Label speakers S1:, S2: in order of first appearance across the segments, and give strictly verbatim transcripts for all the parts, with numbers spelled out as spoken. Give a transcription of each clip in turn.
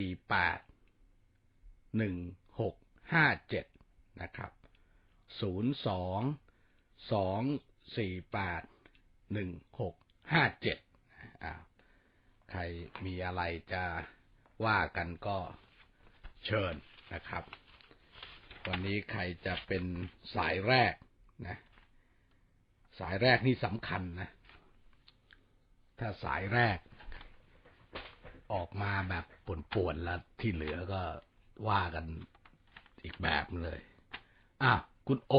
S1: สี่แปดหนึ่งหกห้าเจ็ดนะครับศูนย์สองสองสี่แปดหนึ่งหกห้าเจ็ดอ่าใครมีอะไรจะว่ากันก็เชิญนะครับวันนี้ใครจะเป็นสายแรกนะสายแรกนี่สำคัญนะถ้าสายแรกออกมาแบบป่วนๆแล้วที่เหลือก็ว่ากันอีกแบบเลยอ่ะคุณโอ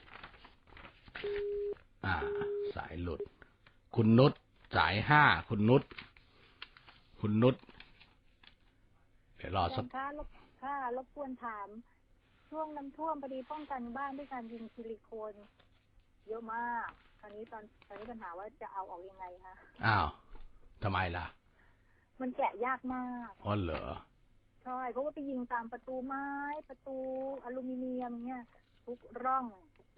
S1: อ่าสายหลุดคุณนุชสายห้าคุณนุชคุณนุชเดี๋ยวรอสัก
S2: ค่ะค่ะรบกวนถามช่วงน้ำท่วมพอดีป้องกันบ้านด้วยการยิงซิลิโคนเยอะมากตอนนี้ตอนตอนนี้ปัญหาว่าจะเอาออกยังไงคะ
S1: อ้าวทำไมล่ะ
S2: มันแกะยากมาก
S1: อ๋อเหรอ
S2: ใช่เพราะว่าไปยิงตามประตูไม้ประตูอลูมิเนียมเนี่ยทุกร่อง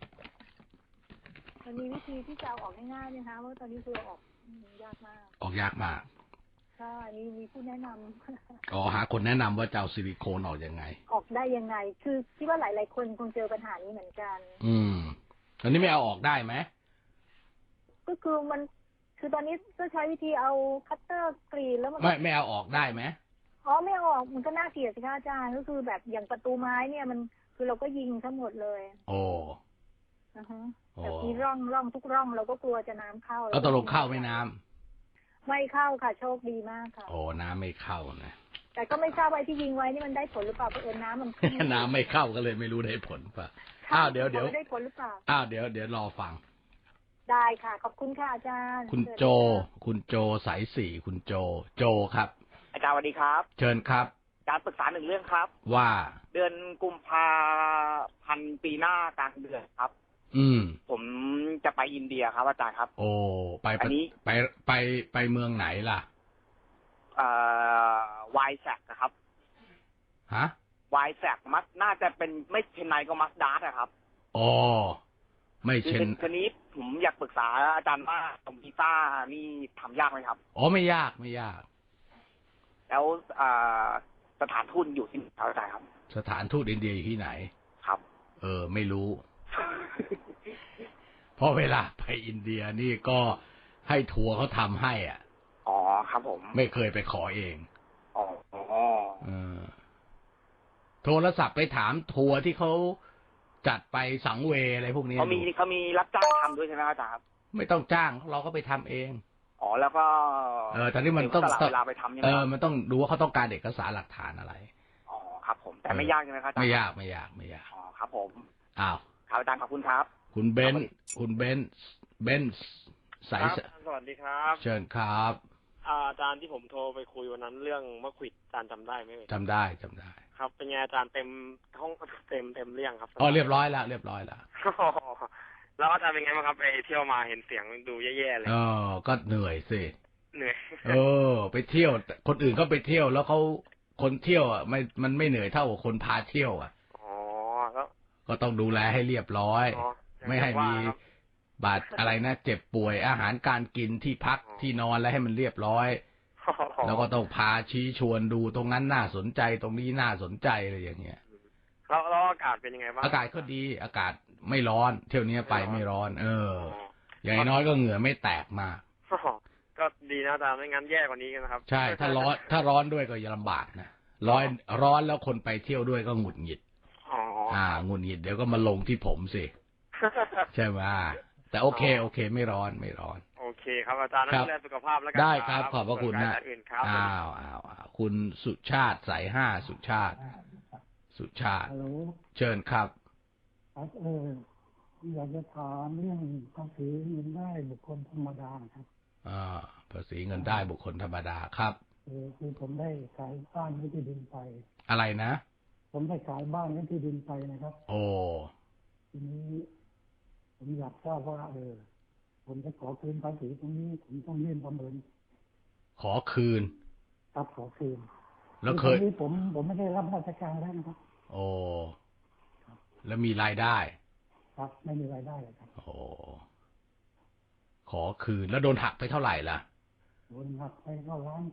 S2: มันมีวิธีที่จะเอาออกง่ายๆไหมคะว่าตอนนี้คือออกยากมาก
S1: ออกยากมาก
S2: ใช่มีมีผู้แนะนำ
S1: อ๋อหาคนแนะนำว่าจะเอาซิลิโคนออกยังไง
S2: ออกได้ยังไงคือคิดว่าหลายๆคนคงเจอปัญหานี้เหมือนกัน
S1: อืมตอนนี้ไม่เอาออกได้ไหม
S2: ก็คือมันคือตอนนี้ก็ใช้วิธีเอาคัตเตอร์กรีนแล้วมัน
S1: ไม่ไม่เอาออกได้ไหม
S2: อ๋อไม่เอาออกมันก็น่าเกลียดสิคะอาจารย์ก็คือแบบอย่างประตูไม้เนี่ยมันคือเราก็ยิงทั้งหมดเลย
S1: โอ้
S2: อ่าฮะแต่มีร่องร่องทุกร่องเราก็กลัวจะน้ำเข้า
S1: แล้วตกลงเข้าไม่น้
S2: ำไม่เข้าค่ะโชคดีมากค่ะ
S1: โอ้น้ำไม่เข้านะ
S2: แต่ก็ไม่ทราบว่าที่ยิงไว้นี่มันได้ผลหรือเปล่าเพราะเอิญน้ำมัน
S1: น้ำไม่เข้าก็เลยไม่รู้ได้ผลป่ะอ้าวเดี๋ยวเดี๋ยว
S2: ได้ผลหรือเปล่า
S1: อ้าวเดี๋ยวเดี๋ยวรอฟัง
S2: ได้ค่ะขอบคุณค่ะอาจารย์
S1: คุณโจคุณโจสายสี่คุณโจโจครับ
S3: อาจารย์สวัสดีครับ
S1: เชิญครับ
S3: อาจารย์ปรึกษาหนึ่งเรื่องครับ
S1: ว่า
S3: เดือนกุมภาพันธ์ปีหน้ากลางเดือนครับ
S1: อืม
S3: ผมจะไปอินเดียครับอาจารย์ครับ
S1: โอ้ไปอันนี้ไปไปไปเมืองไหนล่ะ
S3: เอ่อไวแซกนะครับ
S1: ฮะ
S3: ไวแซกมัสน่าจะเป็นไม่เชนไนก็มัสดาร์อะครับ
S1: อ๋อไม่เชน
S3: ทีนี้ผมอยากปรึกษาอาจารย์ว่าตรงวีซ่านี่ทำยากไหมครับ
S1: อ๋อไม่ยากไม่ยาก
S3: แล้วสถานทูตอยู่ที่ไหนอาจารย์ครับ
S1: สถานทูตอินเดียอยู่ที่ไหน
S3: ครับ
S1: เออไม่รู้ เพราะเวลาไปอินเดียนี่ก็ให้ทัวร์เขาทำให้อ่ะ
S3: อ๋อครับผม
S1: ไม่เคยไปขอเอง
S3: อ๋อ
S1: เออโทรศัพท์ไปถามทัวร์ที่เขาจัดไปสังเวอะไรพวกนี้
S3: เขามีเขามีรับจ้างทำด้วยใช่ไหมอาจารย์ครับ
S1: ไม่ต้องจ้างเราก็ไปทำเอง
S3: อ๋อแล้วก็
S1: เออตอนนี้มันต้อง
S3: เวลาไปทำใช่ไหม
S1: เออมันต้องดูว่าเขาต้องการเอกสารหลักฐานอะไร
S3: อ๋อครับผมแต่ไม่ยากใช่ไหมครับ
S1: ไม่ยากไม่ยากไม่ยาก
S3: อ๋อครับผม
S1: อ้าว
S3: ครับอาจารย์ขอบคุณครับ
S1: คุณเบนคุณเบนเบนสาย
S4: สวัสดีครับ
S1: เชิญครับ
S4: อาจารย์ที่ผมโทรไปคุยวันนั้นเรื่องมะขวิดอาจารย์จำได้ไหม
S1: จำได้จำได้
S4: ครับเป็นไงอาจารย์เต็มห้องเต็มเต็มเรื่องครับ
S1: อ๋อเรียบร้อยแล้วเรียบร้อยแล้ว
S4: แล้วอาจารย์เป็นไงบ้างครับไปเที่ยวมาเห็นเสียงดูแย่ๆเลย
S1: เออก็เหนื่อยสิ
S4: เหนื่อย
S1: เออไปเที่ยวคนอื่นเขาไปเที่ยวแล้วเขาคนเที่ยวอ่ะไม่มันไม่เหนื่อยเท่ากับคนพาเที่ยวอ่ะ
S4: อ๋อแล้ว
S1: ก็ต้องดูแลให้เรียบร้อยไม่ให้มีบาดอะไรนะเจ็บป่วยอาหารการกินที่พักที่นอนแล้วให้มันเรียบร้อยแล้วก็ต้องพาชี้ชวนดูตรงนั้นน่าสนใจตรงนี้น่าสนใจอะไรอย่างเงี้ย
S4: แล้วแล้วอากาศเป็นยังไงบ้าง
S1: อากาศก็ดีอากาศไม่ร้อนเที่ยวนี้ไปไม่ร้อนเอออย่างน้อยก็เหงื่อไม่แตกมาก
S4: ก็ดีนะอาจารย์ไม่งั้นแย่กว่านี้กันนะครับ
S1: ใช่ถ้าร้อนถ้าร้อนด้วยก็จะลำบากนะร้อนร้อนแล้วคนไปเที่ยวด้วยก็หงุดหงิดอ่าหงุดหงิดเดี๋ยวก็มาลงที่ผมสิใช่ไหมแต่โอเคโอเคไม่ร้อนไม่ร้อน
S4: โอเคครับอาจารย์ดูแลสุขภาพแล้วกัน
S1: ได้ครับขอบพระคุณนะอ้าวอ้าวคุณสุชาติสายห้าสุชาติสุชาติเชิญครับ
S5: ครับเอออยากจะถามเรื่องภาษีเงินได้บุคคลธรรมดาครับ
S1: อ่าภาษีเงินได้บุคคลธรรมดาครับ
S5: เออคือผมได้ขายบ้านที่ดินไป
S1: อะไรนะ
S5: ผมได้ขายบ้านที่ดินไปนะครับ
S1: โอ้
S5: ทีนี้ผมอยากทราบว่าเออผมจะขอคืนภาษีตรงนี้ผมต้องยื่นประเมิน
S1: ขอคืน
S5: ครับขอคืน
S1: แล้วเคย
S5: ผมผมไม่ได้รับราชการแล้วนะครับ
S1: โอ้แล้วมีรายได้
S5: ครับไม่มีรายได้เลยครับ
S1: โอ้ขอคืนแล้วโดนหักไปเท่าไหร่ล่ะ
S5: โดนหักไปเก้าล้านครับ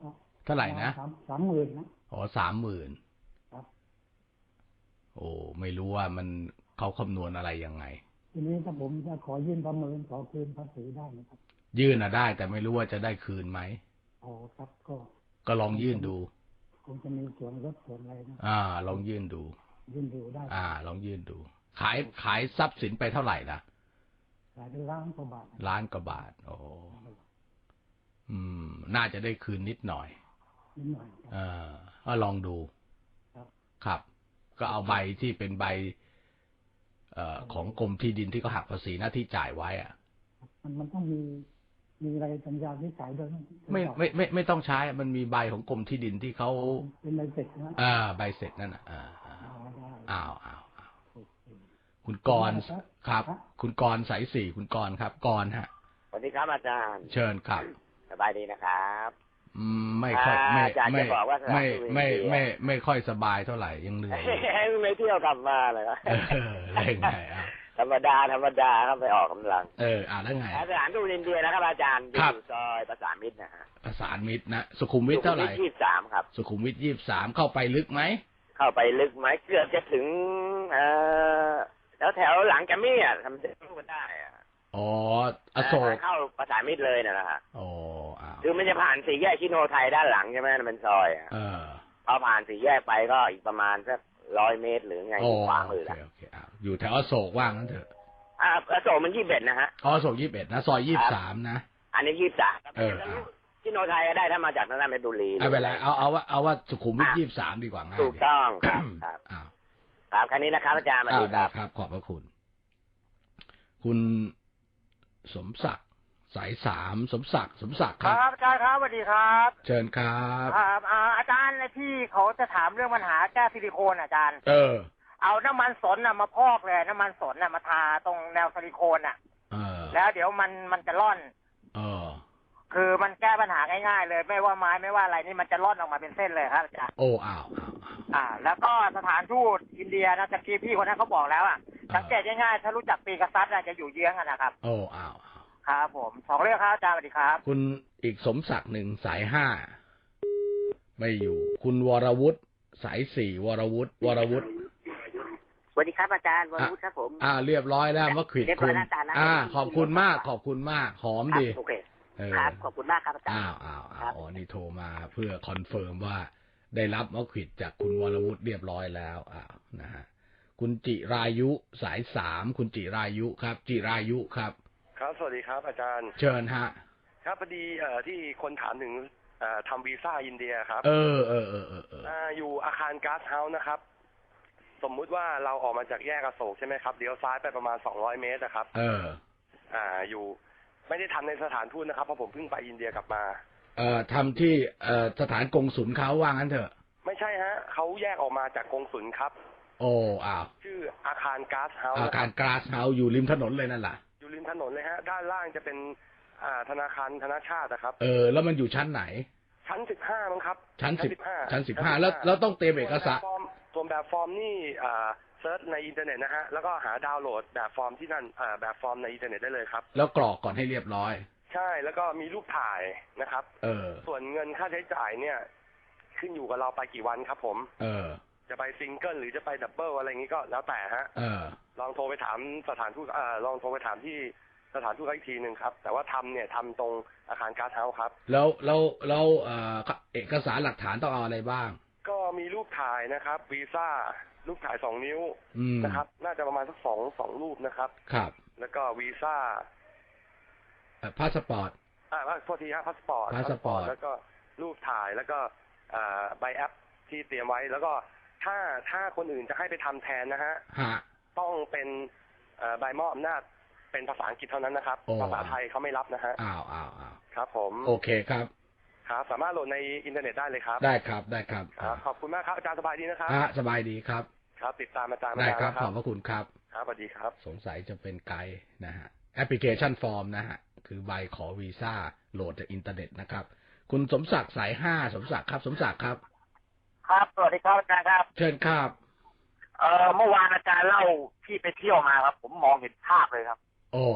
S1: เท่าไหร่นะ
S5: สามสามหมื่นนะ
S1: อ๋อสามหมื่น
S5: ครับ
S1: โอ้ไม่รู้ว่ามันเขาคำนวณอะไรยังไง
S5: ทีนี้ถ้าผมจะขอยื่นประเมินขอคืนภาษีได้ไหมครับ
S1: ยื่นอ่ะได้แต่ไม่รู้ว่าจะได้คืนไหม
S5: อ๋อครับก็
S1: ก็ลองยื่นดู
S5: คงจะมีส่วนลดส่วนอะไรนะ
S1: อ่าลองยื่นดู
S5: ยื่นดูได้
S1: อ่าลองยื่นดูขายขายทรัพย์สินไปเท่าไหร่ล่ะ
S5: ขายเป็นล้านกว่าบาท
S1: ล้านกว่าบาทโอ้อืมน่าจะได้คืนนิดหน่อย
S5: นิดหน่อย
S1: เออก็ลองดู
S5: ครับ
S1: ครับก็เอาใบที่เป็นใบเอ่อของกรมที่ดินที่เขาหักภาษีหน้าที่จ่ายไว้อ่ะ
S5: มันมันต้องมีมีอะไรสัญญาที่จ่ายด้วย
S1: ไม่ไม่ไม่ไม่ต้องใช้มันมีใบของกรมที่ดินที่เขา
S5: เป็นใบเสร็จนะ
S1: อ่าใบเสร็จนั่นอ่ะอ่าอ้าวอ้าวอ้าวคุณกรณ์ครับคุณกรณ์สายสี่คุณกรณ์ครับกรณ์ฮะ
S6: สวัสดีครับอาจารย์
S1: เชิญครับ
S6: สบายดีนะครับ
S1: อืมไม่ค่อยไม่ไม่ไม่ไม่ไม่ไม่ค่อยสบายเท่าไหร่ยังเหนื่อย
S6: ไม่เที่ยวกลับมาเลยครับ
S1: เร่งไงอ่ะ
S6: ธรรมดาธรรมดาครับไปออกกำลัง
S1: เอออ่าแล้วไง
S6: สถานทูตอินเดียนะครับอาจารย์อยู่ซอยประสานมิตรนะฮะ
S1: ประสานมิตรนะสุขุมวิทเท่าไหร่
S6: ยี่สิบสามครับ
S1: สุขุมวิทยี่สิบสามเข้าไปลึกไหม
S6: เข้าไปลึกไหมเกือบจะถึงเอ่อแถวแถวหลังแกมมี่อ่ะทำเส้นรูปได้อ่ะ
S1: อ๋ออโศก
S6: เข้าประสานมิตรเลยนะฮะ
S1: อ๋ออ้าว
S6: คือมันจะผ่านสี่แยกชิโนไทยด้านหลังใช่ไหมมันซอยอ่ะ
S1: เออ
S6: พอผ่านสี่แยกไปก็อีกประมาณสักร้อยเมตรหรือไงขวามือละ
S1: อยู่แถวอโศกว่างนั่นเถอะ
S6: อ่าอโศกมันยี่สิบเอ็ดนะฮะ
S1: อ๋ออโศกยี่สิบเอ็ดนะซอยยี่สิบสามนะ
S6: อันนี้ยี่สิบสาม
S1: เออ
S6: ชิโนไทยก็ได้ถ้ามาจากทางด้านเพชรบุรี
S1: เอาไปแล้วเอาเอาว่าเอาว่าสุขุมวิทยี่สิบสามดีกว่าง่าย
S6: ถูกต้องครับครับครับคันนี้นะครับอาจารย์มาดีครับ
S1: ครับขอบพระคุณคุณสมศักดิ์สายสามสมศักดิ์สมศักดิ์
S7: ครับครับอาจารย์ครับสวัสดีครับ
S1: เชิญครับ
S7: ครับอาจารย์ที่เขาจะถามเรื่องปัญหาแก้ซิลิโคนอาจารย์
S1: เออ
S7: เอาน้ำมันสนน่ะมาพอกเลยน้ำมันสนน่ะมาทาตรงแนวซิลิโคนอ่ะ
S1: เออ
S7: แล้วเดี๋ยวมันมันจะร่อน
S1: เออ
S7: คือมันแก้ปัญหาง่ายๆเลยไม่ว่าไม้ไม่ว่าอะไรนี่มันจะร่อนออกมาเป็นเส้นเลยครับอาจารย์
S1: โอ้อ้าว
S7: อ่าแล้วก็สถานทูตอินเดียนะตะกี้พี่คนนั้นเขาบอกแล้วอ่ะสังเกตง่ายๆถ้ารู้จักปีกษัตริย์จะอยู่เยื้องกันนะครับ
S1: โอ้อ้าว
S7: ครับผมสองเรื่องครับอาจารย์สวัสดีครับ
S1: คุณอีกสมศักดิ์หนึ่งสายห้าไม่อยู่คุณวรวุฒิสายสี่วรวุฒิวรวุฒิ
S6: สวัสดีครับอาจารย์วรวุฒิครับผม
S1: อ่าเรียบร้อยแล้วมะขวิดคุณอ่าขอบคุณมากขอบคุณมากหอมดี
S6: โอเคครับขอบคุณมากครับอาจารย์
S1: อ้าวอ้าวอ้าวอ๋อนี่โทรมาเพื่อคอนเฟิร์มว่าได้รับมะขวิดจากคุณวรวุฒิเรียบร้อยแล้วอ้าวนะฮะคุณจิรายุสายสามคุณจิรายุครับจิรายุครับ
S8: ครับสวัสดีครับอาจารย์
S1: เชิญฮะ
S8: ครับพอดีเอ่อที่คนถามถึงเอ่อทำวีซ่าอินเดียครับ
S1: เออเออเออเออเออ
S8: อยู่อาคารก๊าซเฮาส์นะครับสมมุติว่าเราออกมาจากแยกอโศกใช่ไหมครับเลี้ยวซ้ายไปประมาณสองร้อยเมตรนะครับ
S1: เออ
S8: อ่าอยู่ไม่ได้ทำในสถานทูตนะครับเพราะผมเพิ่งไปอินเดียกลับมา
S1: เอ่อทำที่เอ่อสถานกงสุลเขาว่างั้นเถอะ
S8: ไม่ใช่ฮะเขาแยกออกมาจากกงสุลครับ
S1: โอ้อ้าว
S8: ชื่ออาคารก๊าซเฮาส์
S1: อาคารก๊าซเฮาส์อยู่ริมถนนเลยนั่นแหละ
S8: อยู่ริมถนนเลยฮะด้านล่างจะเป็นอ่าธนาคารธนาชาตินะครับ
S1: เออแล้วมันอยู่ชั้นไหน
S8: ชั้นสิบห้ามั้งครับ
S1: ชั้นสิบห้าชั้นสิบห้าแล้วแล้วต้องเตรียมเอกสาร
S8: ส่วนแบบฟอร์มนี่อ่าเซิร์ชในอินเทอร์เน็ตนะฮะแล้วก็หาดาวน์โหลดแบบฟอร์มที่นั่นอ่าแบบฟอร์มในอินเทอร์เน็ตได้เลยครับ
S1: แล้วกรอกก่อนให้เรียบร้อย
S8: ใช่แล้วก็มีรูปถ่ายนะครับ
S1: เออ
S8: ส่วนเงินค่าใช้จ่ายเนี่ยขึ้นอยู่กับเราไปกี่วันครับผม
S1: เออ
S8: จะไปซิงเกิลหรือจะไปดับเบิลอะไรอย่างนี้ก็แล้วแต่ฮะ
S1: เออ
S8: ลองโทรไปถามสถานทูตอ่าลองโทรไปถามที่สถานทูตอีกทีหนึ่งครับแต่ว่าทำเนี่ยทำตรงอาคารก๊าซเฮาส์ครับ
S1: แล้วแล้วแล้วเอ่อเอกสารหลักฐานต้องเอาอะไรบ้าง
S8: ก็มีรูปถ่ายนะครับวีซ่ารูปถ่ายสองนิ้วนะครับน่าจะประมาณสักสองสองรูปนะครับ
S1: ครับ
S8: แล้วก็วีซ่า
S1: พาสปอร์ต
S8: อ่าโทษทีครับพาสปอร์ต
S1: พาสปอร์ต
S8: แล้วก็รูปถ่ายแล้วก็อ่าใบแอปที่เตรียมไว้แล้วก็ถ้าถ้าคนอื่นจะให้ไปทำแทนนะฮะต้องเป็นใบมอบอำนาจเป็นภาษาอังกฤษเท่านั้นนะครับภาษาไทยเขาไม่รับนะฮะ
S1: อ้าวอ้าวอ้าว
S8: ครับผม
S1: โอเคครับ
S8: ครับสามารถโหลดในอินเทอร์เน็ตได้เลยครับ
S1: ได้ครับได้ครับ
S8: ขอบคุณมากครับอาจารย์สบายดีนะครับ
S1: สบายดีครับ
S8: ครับติดตามอาจารย์
S1: ได้ครับขอบพระคุณครับ
S8: ครับสวัสดีครับ
S1: สงสัยจะเป็นไกด์นะฮะแอปพลิเคชันฟอร์มนะฮะคือใบขอวีซ่าโหลดจากอินเทอร์เน็ตนะครับคุณสมศักดิ์สายห้าสมศักดิ์ครับสมศักดิ์ครับ
S7: ครับสวัสดีครับอาจารย์ครับ
S1: เชิญครับ
S7: เอ่อเมื่อวานอาจารย์เล่าที่ไปเที่ยวมาครับผมมองเห็นภาพเลยครับ
S1: โอ้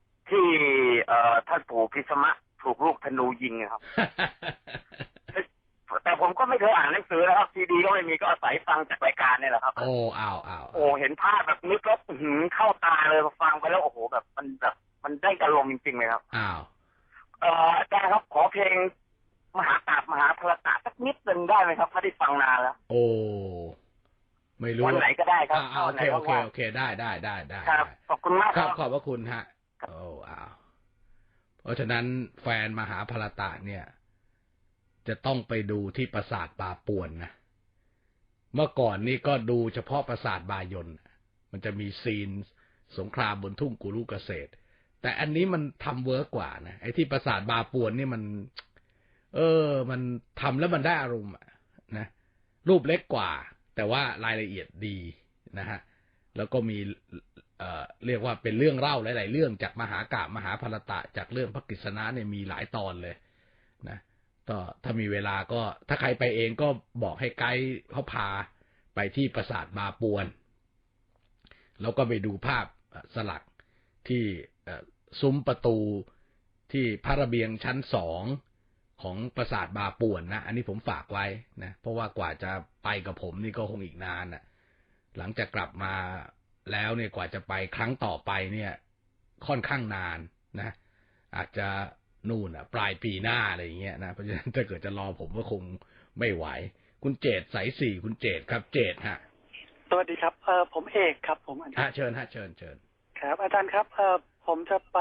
S7: ที่เอ่อท่านปู่พิสมะถูกลูกธนูยิงครับแต่ผมก็ไม่เคยอ่านหนังสือนะครับซีดีก็ไม่มีก็อาศัยฟังจากรายการนี่แหละครับ
S1: โอ้อ้าวอ้าว
S7: โอ้เห็นภาพแบบนึกแล้วหืมเข้าตาเลยฟังไปแล้วโอ้โหแบบมันแบบมันได้อารมณ์จริงๆเลยครับ
S1: อ้าว
S7: เอ่ออาจารย์ครับขอเพลงมหากาพย์มหาพรตะสักนิดหนึ่งได้ไหมครับถ้าได้ฟังนานแล้ว
S1: โอ้ไม่รู้
S7: วันไหนก็ได้ครับ
S1: โอเคโอเคโอเคได้ได้ได้ได้
S7: ครับขอบคุณมาก
S1: ครับขอบพระคุณฮะโอ้อ้าวเพราะฉะนั้นแฟนมหาพรตะเนี่ยจะต้องไปดูที่ปราสาทป่าป่วนนะเมื่อก่อนนี่ก็ดูเฉพาะปราสาทบายนมันจะมีซีนสงครามบนทุ่งกุรุเกษตรแต่อันนี้มันทำเวิร์กกว่านะไอ้ที่ปราสาทบาป่วนนี่มันเออมันทำแล้วมันได้อารมณ์นะรูปเล็กกว่าแต่ว่ารายละเอียดดีนะฮะแล้วก็มีเอ่อเรียกว่าเป็นเรื่องเล่าหลายๆเรื่องจากมหากาพย์มหาพรตะจากเรื่องพระกฤษณะเนี่ยมีหลายตอนเลยนะก็ถ้ามีเวลาก็ถ้าใครไปเองก็บอกให้ไกด์เขาพาไปที่ปราสาทบาป่วนแล้วก็ไปดูภาพสลักที่ซุ้มประตูที่พระระเบียงชั้นสองของปราสาทบาป่วนนะอันนี้ผมฝากไว้นะเพราะว่ากว่าจะไปกับผมนี่ก็คงอีกนานน่ะหลังจากกลับมาแล้วเนี่ยกว่าจะไปครั้งต่อไปเนี่ยค่อนข้างนานนะอาจจะนู่นอ่ะปลายปีหน้าอะไรอย่างเงี้ยนะเพราะฉะนั้นถ้าเกิดจะรอผมก็คงไม่ไหวคุณเจตสายสี่คุณเจตครับเจตฮะ
S9: สวัสดีครับเออผมเอกครับผมอาจารย์
S1: ฮะเชิญฮะเชิญเชิญ
S9: ครับอาจารย์ครับเออผมจะไป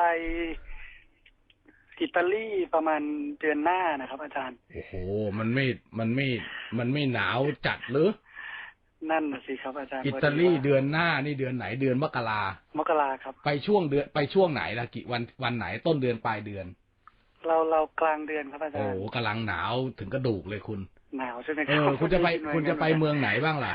S9: อิตาลีประมาณเดือนหน้านะครับอาจารย์
S1: โอ้โหมันไม่มันไม่มันไม่หนาวจัดหรือ
S9: นั่นน่ะสิครับอาจารย์
S1: อิตาลีเดือนหน้านี่เดือนไหนเดือนมกราม
S9: กราครับ
S1: ไปช่วงเดือนไปช่วงไหนล่ะกี่วันวันไหนต้นเดือนปลายเดือน
S9: เราเรากลางเดือนครับอาจารย์
S1: โอ้กำลังหนาวถึงกระดูกเลยคุณ
S9: หนาวใช่ไหม
S1: ครับเออคุณจะไปคุณจะไปเมืองไหนบ้างล่ะ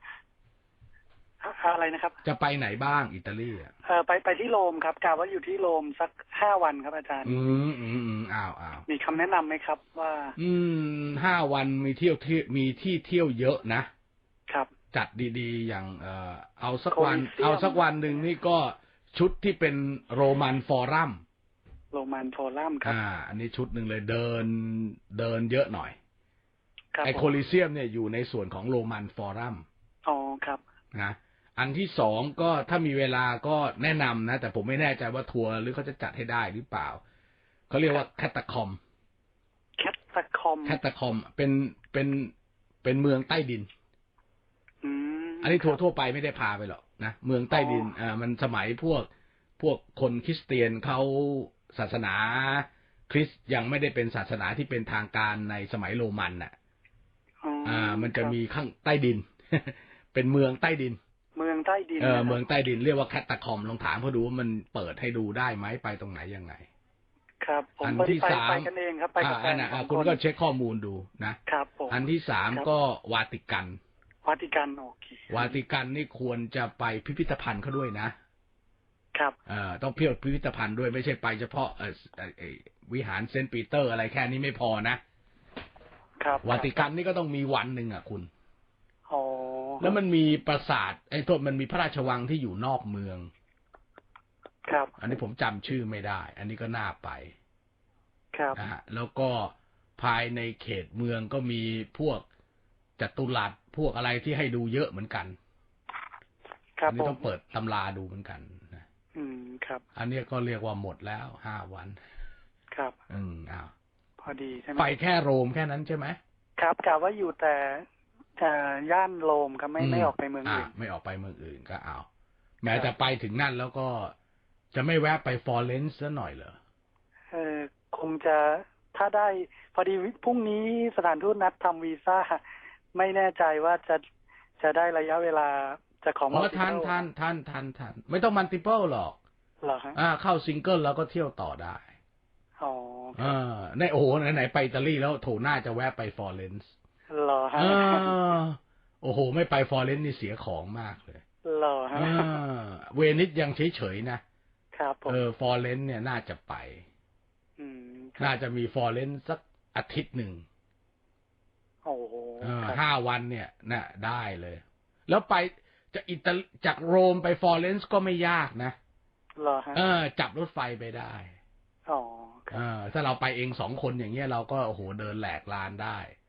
S9: อะไรนะครับ
S1: จะไปไหนบ้างอิตาลีอ่ะ
S9: เออไปไปที่โรมครับกะว่าอยู่ที่โรมสักห้าวันครับอาจารย์
S1: อืมอืมอืมอ้าวอ้าว
S9: มีคำแนะนำไหมครับว่า
S1: อืมห้าวันมีเที่ยวที่มีที่เที่ยวเยอะนะครับจัดดีๆอย่างเออเอาสักวันเอาสักวันหนึ่งนี่ก็ชุดที่เป็นโรมันฟอรัม
S9: โรมันฟอรัมครับ
S1: อ่าอันนี้ชุดหนึ่งเลยเดินเดินเยอะหน่อยไอโคลิเซียมเนี่ยอยู่ในส่วนของโรมันฟอรัม
S9: อ๋อครับ
S1: นะอันที่สองก็ถ้ามีเวลาก็แนะนำนะแต่ผมไม่แน่ใจว่าทัวร์หรือเขาจะจัดให้ได้หรือเปล่าเขาเรียกว่าแคตตาคอม
S9: แคตตาคอม
S1: แคตตาคอมเป็นเป็นเป็นเมืองใต้ดิน
S9: อืม
S1: อันนี้ทัวร์ทั่วไปไม่ได้พาไปหรอกนะเมืองใต้ดินอ่ามันสมัยพวกพวกคนคริสเตียนเขาศาสนาคริสต์ยังไม่ได้เป็นศาสนาที่เป็นทางการในสมัยโรมันน่ะอ่ามันจะมีข้างใต้ดิน เป็นเมืองใต้ดิน
S9: เมืองใต้ดิน
S1: เออเมืองใต้ดินเรียกว่าแคตตาคอมลองถามเขาดูว่ามันเปิดให้ดูได้ไหมไปตรงไหนยังไง
S9: ครับผม
S1: อันที่สาม
S9: ไปกันเองครับไปกับแฟน
S1: คุณก็เช็คข้อมูลดูนะครับ
S9: ผม
S1: อันที่สามก็วาติกัน
S9: วาติกันโอเคว
S1: าติกันนี่ควรจะไปพิพิธภัณฑ์เขาด้วยนะครับเอ่อต้องเที่ยวพิพิธภัณฑ์ด้วยไม่ใช่ไปเฉพาะเอ่อวิหารเซนต์ปีเตอร์อะไรแค่นี้ไม่พอนะครับวาติกันนี่ก็ต้องมีวันหนึ่งอ่ะคุณ
S9: อ๋อ
S1: แล้วมันมีปราสาทไอ้โทษมันมีพระราชวังที่อยู่นอกเมือง
S9: ครับ
S1: อันนี้ผมจำชื่อไม่ได้อันนี้ก็น่าไป
S9: ครับ
S1: นะฮะแล้วก็ภายในเขตเมืองก็มีพวกจัตุรัสพวกอะไรที่ให้ดูเยอะเหมือนกัน
S9: ครับ
S1: อันนี้ต้องเปิดตำราดูเหมือนกันนะ
S9: อืมครับ
S1: อันนี้ก็เรียกว่าหมดแล้วห้าวัน
S9: ครับ
S1: อืมอ้าว
S9: พอดีใช่ไหม
S1: ไปแค่โรมแค่นั้นใช่ไหม
S9: ครับกะว่าอยู่แต่จะย่านโรมครับไม่ไม่ออกไปเมืองอื่น
S1: ไม่ออกไปเมืองอื่นก็เอาแม้แต่ไปถึงนั่นแล้วก็จะไม่แวะไปฟลอเรนซ์ซะหน่อยเหรอ
S9: เออคงจะถ้าได้พอดีพรุ่งนี้สถานทูตนัดทำวีซ่าไม่แน่ใจว่าจะจะได้ระยะเวลาจะของ
S1: มัลติเพิลท่านท่านท่านท่านท่านไม่ต้องมัลติเพิลหรอก
S9: หรอฮะ
S1: อ่าเข้าซิงเกิลแล้วก็เที่ยวต่อได้
S9: อ๋อ
S1: อ่าในโอ้โหไหนๆไปอิตาลีแล้วโถน่าจะแวะไปฟลอเรนซ์
S9: หรอฮะ
S1: โอ้โหไม่ไปฟลอเรนซ์นี่เสียของมากเลย
S9: หรอฮะ
S1: เวนิสยังเฉยๆนะครับเออฟลอเรนซ์เนี่ยน่าจะไปน่าจะมีฟลอเรนซ์สักอาทิตย์หนึ่ง
S9: โอ้โห
S1: ห้าวันเนี่ยน่ะได้เลยแล้วไปจากอิตาจากโรมไปฟลอเรนซ์ก็ไม่ยากนะ
S9: เหรอฮะ
S1: เออจับรถไฟไปได้
S9: อ๋อ
S1: เออถ้าเราไปเองสองคนอย่างเงี้ยเราก็โอ้โหเดินแหลกลานได้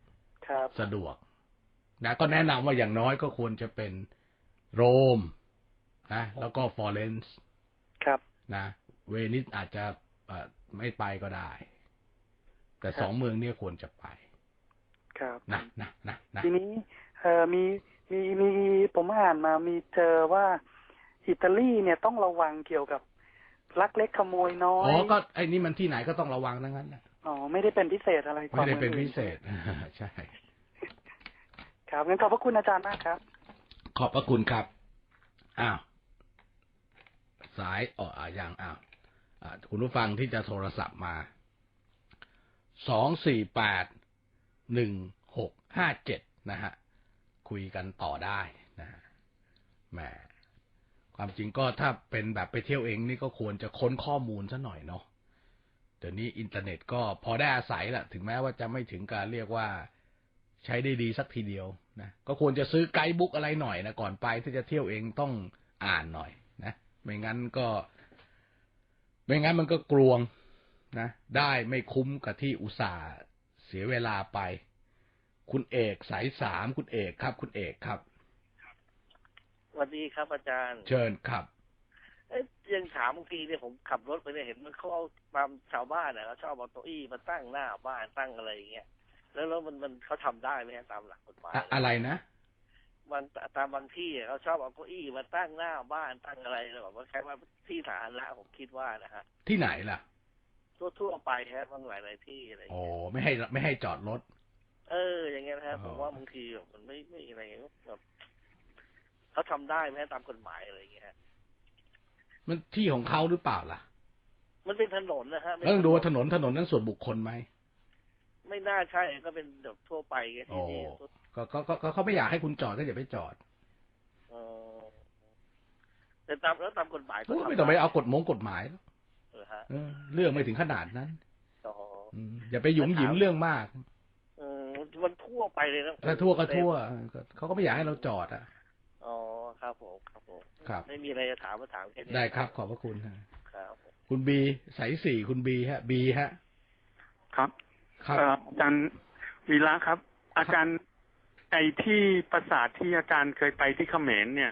S1: สะดวกนะก็แนะนำว่าอย่างน้อยก็ควรจะเป็นโรมนะแล้วก็ฟลอเรนซ์
S9: ครับ
S1: นะเวนิสอาจจะไม่ไปก็ได้แต่สองเมืองนี้ควรจะไป
S9: ครับ
S1: นะนะนะนะ
S9: ทีนี้เอ่อมีมีมีผมอ่านมามีเจอว่าอิตาลีเนี่ยต้องระวังเกี่ยวกับลักเล็กขโมยน้อย
S1: อ๋อก็ไอ้นี่มันที่ไหนก็ต้องระวังทั้งนั้นนะ
S9: อ๋อไม่ได้เป็นพิเศษอะไร
S1: ไม่ได้เป็นพิเศษใช่
S9: ครับงั้นขอบพระคุณอาจารย์มากครับ
S1: ขอบพระคุณครับอ้าวสายอ๋ออย่างอ้าวคุณผู้ฟังที่จะโทรศัพท์มาสองสี่แปดหนึ่งหกห้าเจ็ดนะฮะคุยกันต่อได้นะฮะแหมความจริงก็ถ้าเป็นแบบไปเที่ยวเองนี่ก็ควรจะค้นข้อมูลซะหน่อยเนาะเดี๋ยวนี้อินเทอร์เน็ตก็พอได้อาศัยแหละถึงแม้ว่าจะไม่ถึงการเรียกว่าใช้ได้ดีสักทีเดียวนะก็ควรจะซื้อไกด์บุ๊กอะไรหน่อยนะก่อนไปถ้าจะเที่ยวเองต้องอ่านหน่อยนะไม่งั้นก็ไม่งั้นมันก็กลวงนะได้ไม่คุ้มกับที่อุตส่าห์เสียเวลาไปคุณเอกสายสามคุณเอกครับคุณเอกครับ
S10: สวัสดีครับอาจารย์
S1: เชิญครับ
S10: เอ๊ะยังถามบางทีเนี่ยผมขับรถไปเนี่ยเห็นมันเขาเอาตามชาวบ้านเนี่ยเขาชอบเอาโต๊ะอี้มาตั้งหน้าบ้านตั้งอะไรอย่างเงี้ยแล้วแล้วมันมันเขาทำได้ไหมตามหลักกฎหมาย
S1: อะไรนะ
S10: มันตามบางที่เขาชอบเอาเก้าอี้มาตั้งหน้าบ้านตั้งอะไรแบบว่าแค่ว่าที่สาธารณะผมคิดว่านะฮะ
S1: ที่ไหนล่ะ
S10: ทั่วทั่วไปฮะบางหลายหลายที่อะไร
S1: โอ้ไม่ให้ไม่ให้จอดรถ
S10: เอออย่างเงี้ยนะครับผมว่าบางทีแบบมันไม่ไม่อะไรแบบเขาทำได้ไหมตามกฎหมายอะไรอย่างเงี้ย
S1: มันที่ของเขาหรือเปล่าล่ะ
S10: มันเป็นถนนนะฮะ
S1: ต้องดูว่าถนนถนนนั้นส่วนบุคคลไหม
S10: ไม่น่าใช่ก็เป็นแบบทั่วไปแค่ที่นี่
S1: ก็ก็ก็เขาไม่อยากให้คุณจอดก็อย่าไปจอด
S10: อ๋อแต่ตามแล้วตามกฎหมายก็
S1: ไม่ต้องไปเอากฎมงกฎหมายเรื่องไม่ถึงขนาดนั้นอย่าไปหยุมหยิมเรื่องมาก
S10: มันทั่วไปเลยนะ
S1: ถ้าทั่วก็ทั่วเขาก็ไม่อยากให้เราจอดอ่ะ
S10: อ๋อครับผมครับผม
S1: ครับ
S10: ไม่มีอะไรจะถามมาถามแค่นี้
S1: ได้ครับขอบพระคุณ
S10: ครับ
S1: คุณบีสายสี่คุณบีฮะบีฮะ
S11: ครับครับอาจารย์วีระครับอาจารย์ไอ้ที่ปราสาทที่อาจารย์เคยไปที่เขมรเนี่ย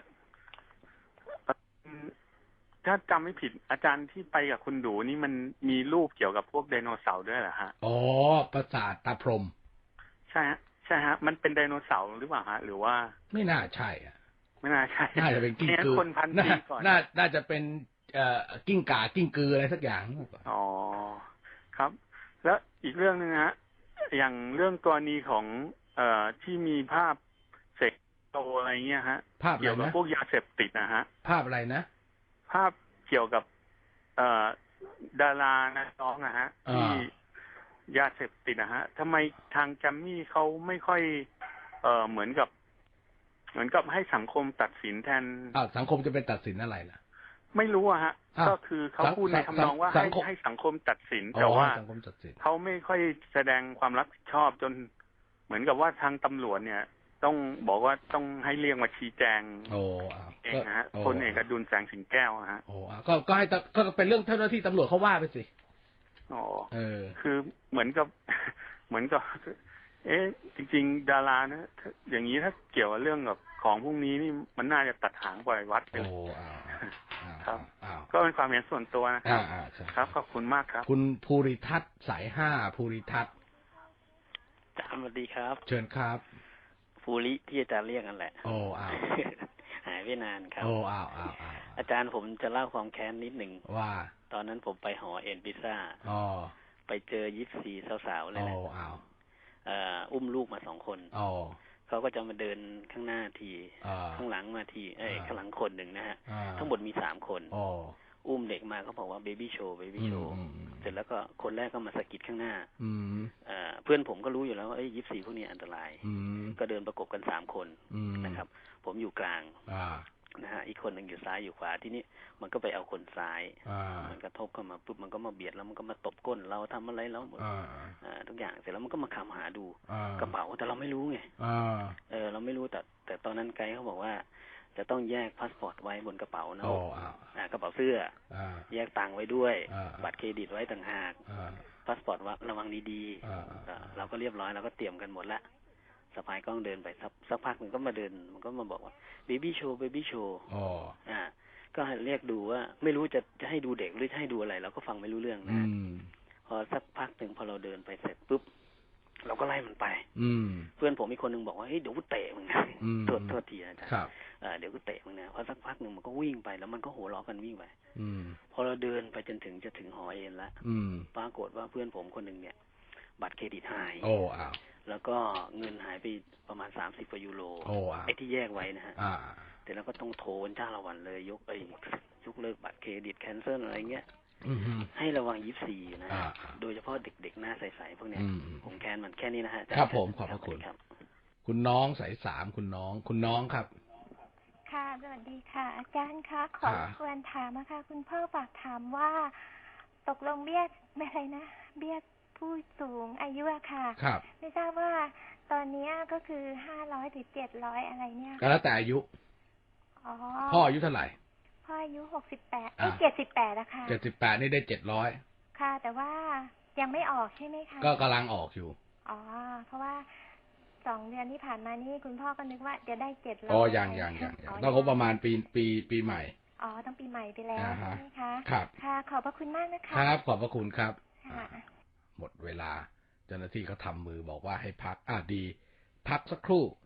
S11: ถ้าจำไม่ผิดอาจารย์ที่ไปกับคุณดูนี่มันมีรูปเกี่ยวกับพวกไดโนเสาร์ด้วยเหรอฮะ
S1: อ๋อปราสาทตาพรหม
S11: ใช่ฮะใช่ฮะมันเป็นไดโนเสาร์หรือเปล่าฮะหรือว่า
S1: ไม่น่าใช่อ่ะ
S11: ไม่น่าใช่
S1: น่าจะเป็นกิ้งกือ
S11: คนพันปีก่อน
S1: น่าน่าจะเป็นเอ่อกิ้งก่ากิ้งกืออะไรสักอย่าง
S11: อ๋อครับแล้วอีกเรื่องนึงฮะอย่างเรื่องกรณีของเอ่อที่มีภาพเสกโตอะไรเงี้ยฮะ
S1: เกี่ยวกับ
S11: พวกยาเสพติดนะฮะ
S1: ภาพอะไรนะ
S11: ภาพเกี่ยวกับเอ่อดารานะน้องนะฮะที่ยาเสพติดนะฮะทำไมทางแกรมมี่เขาไม่ค่อยเอ่อเหมือนกับเหมือนกับให้สังคมตัดสินแทน
S1: อ้าวสังคมจะเป็นตัดสินอะไรล่ะ
S11: ไม่รู้อะฮะก็คือเขาพูดในทำนองว่าให้ให้สังคมตัดสินแต่ว่าเขาไม่ค่อยแสดงความรับผิดชอบจนเหมือนกับว่าทางตำรวจเนี่ยต้องบอกว่าต้องให้เรียกมาชี้แจงเองนะฮะพลเอกอดุลแสงสิงแก้วนะฮะ
S1: โอ้ก็ก็ให้ก็เป็นเรื่องเจ้าหน้าที่ตำรวจเขาว่าไปสิ
S11: อ๋อเออคือเหมือนกับเหมือนกับเอ๊ะจริงๆดารานะอย่างนี้ถ้าเกี่ยวกับเรื่องกับของพวกนี้นี่มันน่าจะตัดหางปล่อยวัดไปครับก็เป็นความเห็นส่วนตัวนะครับครับขอบคุณมากครับ
S1: คุณภูริทัศน์สายห้าภูริทัศน์
S12: อาจารย์สวัสดีครับ
S1: เชิญครับ
S12: ภูริที่อาจารย์เรียกกันแหละ
S1: โอ้อ้าว
S12: หายไปนานครับ
S1: โอ้อ้าวอ้าว
S12: อาจารย์ผมจะเล่าความแค้นนิดหนึ่ง
S1: ว่า
S12: ตอนนั้นผมไปหอเอ็นพิซซ่า
S1: อ๋อ
S12: ไปเจอยิปซีสาวๆเลยนะ
S1: โอ้อ้าว
S12: อุ้มลูกมาสองคน
S1: อ๋อ
S12: เขาก็จะมาเดินข้างหน้าทีข้างหลังมาทีเอ้ยข้างหลังคนหนึ่งนะฮะทั้งหมดมีสามคนอุ้มเด็กมาเขาบอกว่าเบบี้โชว์เบบี้โชว์เสร็จแล้วก็คนแรกก็มาสะกิดข้างหน้าเพื่อนผมก็รู้อยู่แล้วว่ายิปซีพวกนี้อันตรายก็เดินประกบกันสามคนนะครับผมอยู่กลางนะฮะอีกคนหนึ่งอยู่ซ้ายอยู่ขวาที่นี่มันก็ไปเอาคนซ้ายมันกระทบเข้ามาปุ๊บมันก็มาเบียดแล้วมันก็มาตบก้นเราทำอะไรแล้วหมดทุกอย่างเสร็จแล้วมันก็มาคำหาดูกระเป๋าแต่เราไม่รู้ไงเออเราไม่รู้แต่แต่ตอนนั้นไกด์เขาบอกว่าจะต้องแยกพาสปอร์ตไว้บนกระเป๋านะกระเป๋าเสื้อแยกตังค์ไว้ด้วยบัตรเครดิตไว้ต่างหากพาสปอร์ตว่าระวังดีๆเราก็เรียบร้อยเราก็เตรียมกันหมดละสะพายกล้องเดินไปสักสักพักมันก็มาเดินมันก็มาบอกว่าเบบี้โชว์เบบี้โชว์อ๋ออ่าก็เรียกดูว่าไม่รู้จะจะให้ดูเด็กหรือจะให้ดูอะไรเราก็ฟังไม่รู้เรื่องนะพอสักพักหนึ่งพอเราเดินไปเสร็จปุ๊บเราก็ไล่มันไปเพื่อนผมอีกคนนึงบอกว่าเฮ้ยเดี๋ยวกูเตะมึงนะโทษโทษทีนะจ๊ะเดี๋ยวกูเตะมึงนะพอสักพักหนึ่งมันก็วิ่งไปแล้วมันก็โห่ร้องกันวิ่งไปพอเราเดินไปจนถึงจะถึงหอเอ็นแล้วปรากฏว่าเพื่อนผมคนหนึ่งเนี่ยบัตรเครดิตหายโอ้อ้าวแล้วก็เงินหายไปประมาณสามสิบกว่ายูโรโอ้อ้าวไอ้ที่แยกไว้นะฮะแต่แล้วก็ต้องโทรจ้าละวันเลยยกไอ้ยกเลิกบัตรเครดิตแคนเซิลอะไรเงี้ยให้ระวังยี่สิบสี่นะโดยเฉพาะเด็กๆหน้าใสๆพวกเนี้ยผมแค้นมันแค่นี้นะฮะครับผมขอบพระคุณครับ
S1: คุณน้องสายสามคุณน้องคุณน้องครับ
S13: ค่ะสวัสดีค่ะอาจารย์คะขอควรถามนะคะคุณพ่อฝากถามว่าตกลงเบี้ยอะไรนะเบี้ยผู้สูงอายุอะค่ะไม่ทราบว่าตอนนี้ก็คือห้าร้อยหรือเจ็ดร้อยอะไรเนี่ย
S1: ก็แล้วแต่อายุพ่ออายุเท่าไหร่
S13: พ่ออายุหกสิบแปดไอ้เจ็ดสิบแปดนะคะ
S1: เจ็ดสิบแปดนี่ได้เจ็ดร้อย
S13: ค่ะแต่ว่ายังไม่ออกใช่ไหมคะ
S1: ก็กำลังออกอยู่
S13: อ๋อเพราะว่าสองเดือนที่ผ่านมานี่คุณพ่อก็นึกว่าจะได้เจ็ดร้อย
S1: อ๋อยังยังยังต้องครบประมาณปีปีปีใหม่
S13: อ๋อต้องปีใหม่ไปแล้วใช่ไหมคะ
S1: ครับ
S13: ค่ะขอบพระคุณมากนะคะ
S1: ครับขอบพระคุณครับหมดเวลาเจ้าหน้าที่เขาทำมือบอกว่าให้พักอ่ะดีพักสักครู่